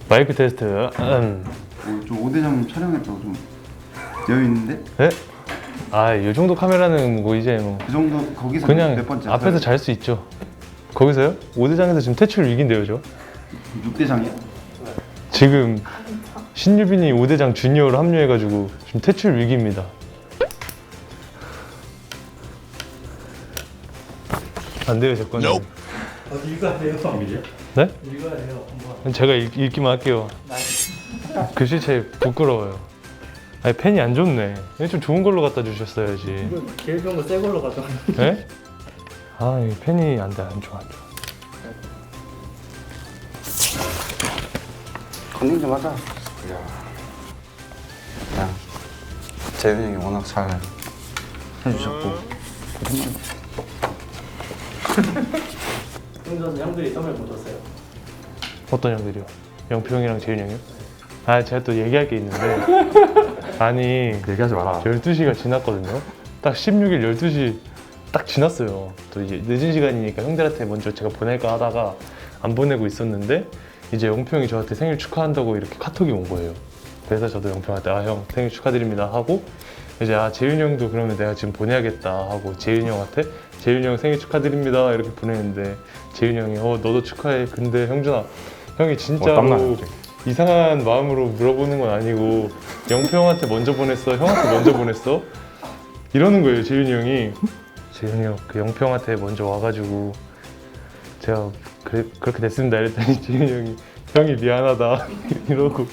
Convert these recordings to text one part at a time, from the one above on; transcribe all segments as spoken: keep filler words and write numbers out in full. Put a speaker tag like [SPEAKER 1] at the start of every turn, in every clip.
[SPEAKER 1] 마이크 테스트. 음.
[SPEAKER 2] 뭐, 좀 오대장 촬영했다고 좀 되어 있는데?
[SPEAKER 1] 네? 아, 이 정도 카메라는 뭐 이제 뭐
[SPEAKER 2] 그 정도 거기서
[SPEAKER 1] 그냥
[SPEAKER 2] 몇 번째?
[SPEAKER 1] 앞에서 잘 수 있죠. 거기서요? 오대장에서 지금 퇴출 위기인데요, 저.
[SPEAKER 2] 육 대장이야?
[SPEAKER 1] 지금 신유빈이 오대장 주니어로 합류해가지고 지금 퇴출 위기입니다. 안 돼요, 제 거는.
[SPEAKER 3] 어, 읽어야 돼요. 비밀이야?
[SPEAKER 1] 네?
[SPEAKER 3] 읽어야 돼요. 한번.
[SPEAKER 1] 제가 읽, 읽기만 할게요. 글씨체 부끄러워요. 아니, 펜이 안 좋네. 좀 좋은 걸로 갖다 주셨어야지.
[SPEAKER 3] 이거 제일 좋은 거 새 걸로 가져와.
[SPEAKER 1] 네? 아, 이 펜이 안 돼, 안 좋아, 안 좋아.
[SPEAKER 2] 컨닝 좀 하자. 야, 야, 재윤이 형이 워낙 잘 해주셨고.
[SPEAKER 3] 형선 형들이 선물 못 줬어요.
[SPEAKER 1] 어떤 형들이요? 영표 형이랑 재윤 형이요? 아, 제가 또 얘기할 게 있는데. 아니,
[SPEAKER 4] 얘기하지 마라.
[SPEAKER 1] 열두 시가 지났거든요. 딱 십육 일 열두 시 딱 지났어요. 또 이제 늦은 시간이니까 형들한테 먼저 제가 보낼까 하다가 안 보내고 있었는데 이제 영표 형이 저한테 생일 축하한다고 이렇게 카톡이 온 거예요. 그래서 저도 영표 형한테 아, 형 생일 축하드립니다 하고 이제 아, 재윤이 형도 그러면 내가 지금 보내야겠다 하고 재윤이 형한테 재윤이 형 생일 축하드립니다 이렇게 보냈는데 재윤이 형이 어 너도 축하해. 근데 형준아, 형이 진짜로
[SPEAKER 4] 어, 땀나요,
[SPEAKER 1] 이상한 마음으로 물어보는 건 아니고 영표 형한테 먼저 보냈어, 형한테 먼저 보냈어 이러는 거예요. 재윤이 형이 재윤이 형 그 영표 형한테 먼저 와가지고 제가 그래, 그렇게 됐습니다 이랬더니 재윤이 형이 형이 미안하다 이러고.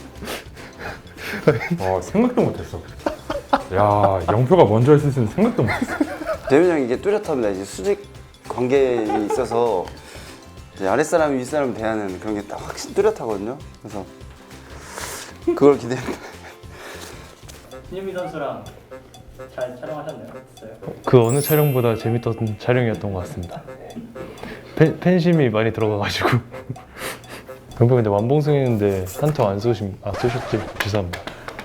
[SPEAKER 4] 어, 생각도 못했어. 야, 영표가 먼저 했을 때는 생각도 못했어.
[SPEAKER 5] 재윤이 형이 이게 뚜렷합니다. 이제 수직 관계에 있어서 이제 아랫사람이 윗사람 대하는 그런 게 딱 확실히 뚜렷하거든요. 그래서 그걸 기대합니다.
[SPEAKER 3] 신유미 선수랑 잘 촬영하셨나요? 어땠어요?
[SPEAKER 1] 그 어느 촬영보다 재밌던 촬영이었던 것 같습니다. 팬, 팬심이 많이 들어가가지고. 영표 근데 완봉승 했는데 한턱 안 쏘심, 아 쏘셨지? 죄송합니다.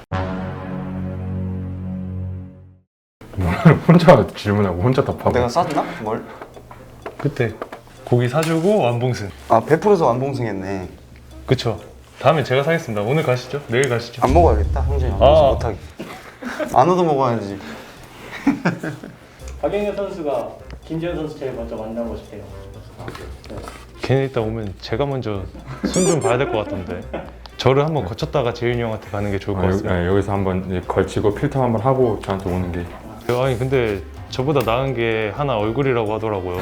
[SPEAKER 4] 혼자 질문하고 혼자 답하고.
[SPEAKER 5] 내가 쐈나? 뭘?
[SPEAKER 1] 그때 고기 사주고 완봉승.
[SPEAKER 5] 아 베풀어서 완봉승했네.
[SPEAKER 1] 그쵸. 다음에 제가 사겠습니다. 오늘 가시죠? 내일 가시죠?
[SPEAKER 5] 안 먹어야겠다. 형준이 안
[SPEAKER 1] 아.
[SPEAKER 5] 먹어서 못하게. 안 얻어 먹어야지.
[SPEAKER 3] 박영현 선수가 김재현 선수 제일 먼저 만나고 싶대요.
[SPEAKER 1] 걔네 이따 오면 제가 먼저 손 좀 봐야 될 것 같던데. 저를 한번 거쳤다가 재윤이 형한테 가는 게 좋을 것
[SPEAKER 4] 아, 여기,
[SPEAKER 1] 같습니다.
[SPEAKER 4] 아, 여기서 한번 이제 걸치고 필터 한번 하고 저한테 오는 게.
[SPEAKER 1] 아니 근데 저보다 나은 게 하나 얼굴이라고 하더라고요.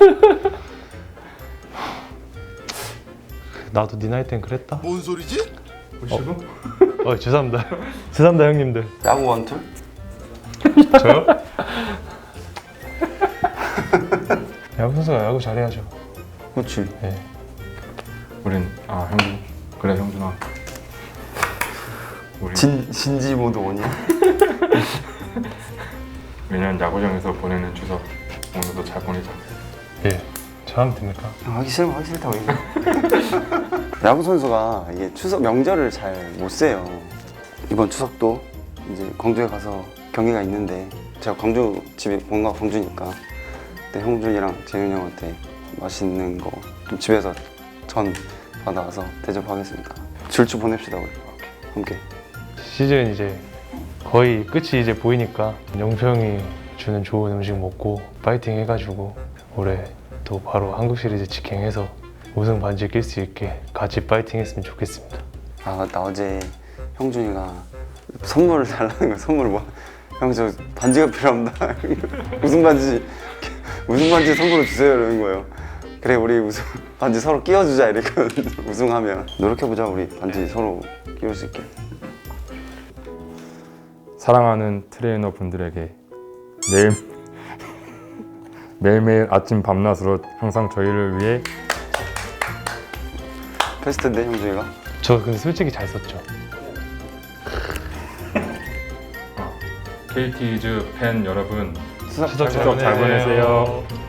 [SPEAKER 1] 나도 네 나이 땐 그랬다?
[SPEAKER 6] 뭔 소리지?
[SPEAKER 4] 보시고?
[SPEAKER 1] 어 죄송합니다. 죄송합니다 형님들.
[SPEAKER 5] 야구 원툴?
[SPEAKER 1] 저요? 야구 선수가 야구 잘해야죠.
[SPEAKER 5] 그렇지.
[SPEAKER 1] 네.
[SPEAKER 4] 우린 아 형준 그래 형준아. 우리
[SPEAKER 5] 진 진지 모드 원이야?
[SPEAKER 4] 매년 야구장에서 보내는 추석 오늘도 잘 보내자.
[SPEAKER 1] 예. 잘하면 됩니까?
[SPEAKER 5] 아, 하기 싫으면 하기 싫다고 얘기해. 야구 선수가 이게 추석 명절을 잘 못 세요. 이번 추석도 이제 광주에 가서 경기가 있는데 제가 광주 집이 본가 광주니까 그때 형준이랑 재윤이 형한테 맛있는 거 좀 집에서 전 받아와서 대접하겠습니다. 줄주 보냅시다 우리 함께.
[SPEAKER 1] 시즌 이제 거의 끝이 이제 보이니까 영표 형이 주는 좋은 음식 먹고 파이팅 해가지고 올해 또 바로 한국 시리즈 직행해서 우승 반지 낄 수 있게 같이 파이팅 했으면 좋겠습니다.
[SPEAKER 5] 아 맞다, 어제 형준이가 선물을 달라는 거야. 선물 뭐? 형 저 반지가 필요합니다. 우승 반지 우승 반지 선물로 주세요 이러는 거예요. 그래 우리 우승 반지 서로 끼워주자 이랬거든. 우승하면 노력해보자 우리 반지 서로 끼울 수 있게.
[SPEAKER 4] 사랑하는 트레이너 분들에게 매일 매일매일 아침 밤낮으로 항상 저희를 위해
[SPEAKER 5] 베스트인데 형준이가?
[SPEAKER 1] 저 근데 솔직히 잘 썼죠.
[SPEAKER 4] 케이티즈 팬 여러분
[SPEAKER 5] 수석
[SPEAKER 1] 추석
[SPEAKER 4] 추석 잘 보내세요.